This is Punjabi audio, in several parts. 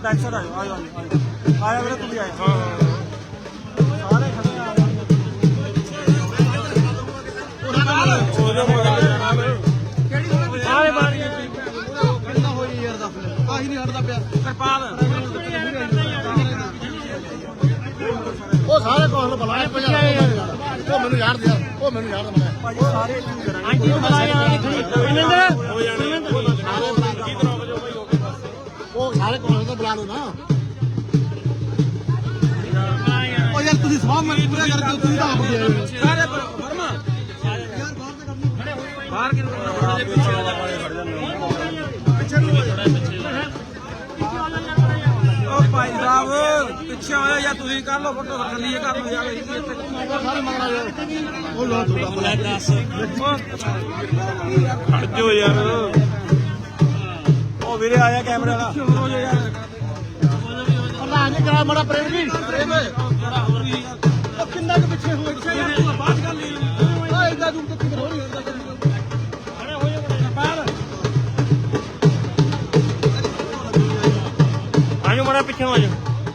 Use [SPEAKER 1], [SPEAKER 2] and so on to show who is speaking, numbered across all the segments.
[SPEAKER 1] बैक साइड आयो आयो आया मेरे तू भी आया सारे खड़े आ सारे मार कितना होई यार दस आही नहीं हटदा पिया किरपाल ਉਹ ਸਾਰੇ ਕੋਲ ਬੁਲਾਏ ਪਿਆ ਉਹ ਮੈਨੂੰ ਯਾਰ ਦੇ ਉਹ ਮੈਨੂੰ ਯਾਰ ਦੇ ਭਾਈ ਸਾਰੇ ਕੀ ਕਰਾਂਗੇ ਹਾਂਜੀ ਬੁਲਾਇਆ ਇਹਨਾਂ ਦੇ ਹੋ ਜਾਣੇ ਉਹ ਸਾਰੇ ਕੋਲ ਤਾਂ ਬੁਲਾ ਲਓ ਨਾ ਉਹ ਯਾਰ ਤੁਸੀਂ ਸਵਾਮ ਮਰੀ ਪੂਰਾ ਕਰਕੇ ਤੁਸੀਂ ਤਾਂ ਆਪ ਦੇ ਆਏ ਸਾਰੇ ਵਰਮਾ ਯਾਰ ਬਾਹਰ ਤੇ ਕਰਨੀ ਬਾਹਰ ਕਿਉਂ ਕਰਨਾ ਪਿੱਛੇ ਵਾਲਾ ਪਾਣੀ ਖੜ ਜਾਂਦੇ ਪਿੱਛੇ ਨੂੰ ਉਹ ਭਾਈ ਸਾਹਿਬ ਪਿੱਛੇ ਆਇਆ ਜਾਂ ਤੁਸੀਂ ਕਰ ਲਓ ਫੋਟੋ ਥੱਲੇ ਕਰ ਲਓ ਯਾਰ ਇੱਥੇ ਸਾਰੇ ਮੰਗਣਾ ਯਾਰ ਉਹ ਲਾ ਥੋੜਾ ਦੱਸ ਖੜ ਜੋ ਯਾਰ ਉਹ ਵੀਰੇ ਆਇਆ ਕੈਮਰੇ ਵਾਲਾ ਹੋ ਜਾ ਯਾਰ ਪ੍ਰਧਾਨ ਜੀ ਕਰਾ ਬੜਾ ਪ੍ਰੇਮ ਜੀ ਪ੍ਰੇਮ ਉਹ ਕਿੰਨਾ ਕੁ ਪਿੱਛੇ ਹੋ ਪਿੱਛੇ ਯਾਰ ਤੂੰ ਬਾਤ ਕਰ ਲਈ ਓਏ ਇਦਾਂ ਤੂੰ ਕਿੱਥੇ ਹੋ ਰਹੀ ਹੁੰਦਾ ਖੜੇ ਹੋ ਜਾ ਬਾਹਰ ਆਜੋ ਮੜਾ ਪਿੱਛੇ ਹੋ ਜਾ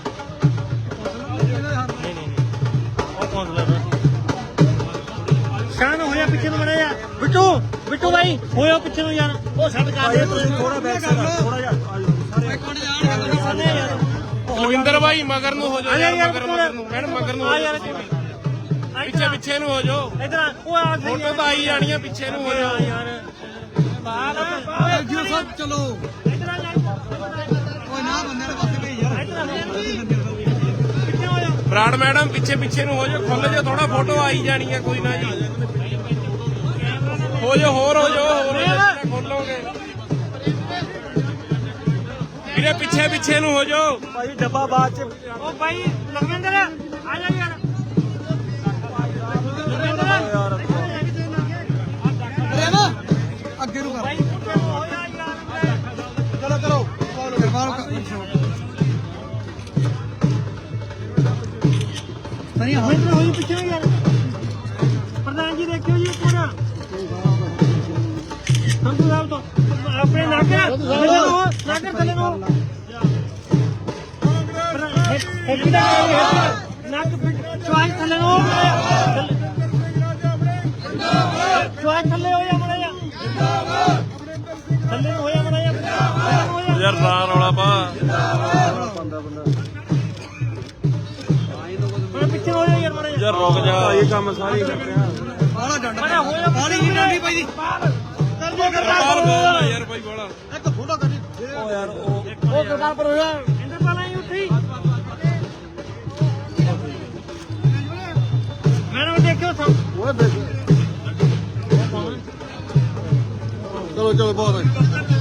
[SPEAKER 1] शान होया पीछे में मरा बिट्टू बिट्टू भाई होया पीछे में यार ओ छड़ कर दे थोड़ा बैक साइड थोड़ा यार सारे
[SPEAKER 2] ਕੁਲਵਿੰਦਰ ਭਾਈ ਮਗਰ ਨੂੰ ਹੋ ਜਾਓ ਮਗਰ ਨੂੰ ਮੈਡਮ ਮਗਰ ਨੂੰ ਆ ਯਾਰ ਪਿੱਛੇ ਪਿੱਛੇ ਨੂੰ ਹੋ ਜਾਓ
[SPEAKER 1] इधर ओ आ
[SPEAKER 2] ਫੋਟੋ ਤਾਂ ਆਈ ਜਾਣੀਆਂ ਪਿੱਛੇ ਨੂੰ ਹੋ ਜਾਓ
[SPEAKER 1] यार बाहर जी सब चलो इधर आ जा ओए ना बंदे ने पासे पे यार इधर पीछे हो जा
[SPEAKER 2] ਬਰਾੜ ਮੈਡਮ ਪਿੱਛੇ ਪਿੱਛੇ ਨੂੰ ਹੋ ਜਾਓ ਖੁੱਲ ਜਾਓ ਥੋੜਾ ਫੋਟੋ ਆਈ ਜਾਣੀ ਹੈ ਕੋਈ ਨਾ ਜੀ ਹੋ ਜਾਓ ਹੋਰ ਹੋ ਜਾਓ ਹੋਰ ਖੋਲੋਗੇ ਵੀਰੇ ਪਿੱਛੇ ਪਿੱਛੇ ਨੂੰ ਹੋ ਜਾਓ
[SPEAKER 1] भाई डब्बा बाद च ओ भाई लखविंदर आ जा यार लखविंदर यार अरे ना आगे नु कर भाई हो जा यार चलो चलो नहीं होई तो होई पीछे यार प्रधान जी देखियो जी पूरा हम तो साहब तो अपने नाकर थले नो नाक चॉइस थले नो चॉइस थले हो या मड़ा थले हो या मड़ा
[SPEAKER 2] ਯਾਰ ਰਾਹ ਰੌਲਾ ਪਾ
[SPEAKER 1] पीछे हो जा यार मड़ा
[SPEAKER 2] ਯਾਰ ਰੁਕ ਜਾ
[SPEAKER 1] ये काम सारी कर रहे हैं बाला डंडा हो जा बाली नहीं डंडी भाई
[SPEAKER 2] ਬਾਹਰ ਬੋਲ ਯਾਰ ਭਾਈ ਬੋਲਾ
[SPEAKER 1] एक फोटो कर ओ यार ओ सरकार पर हो जा इंदर वाला ही उठी मैंने देखो सब वो देखो चलो चलो बहुत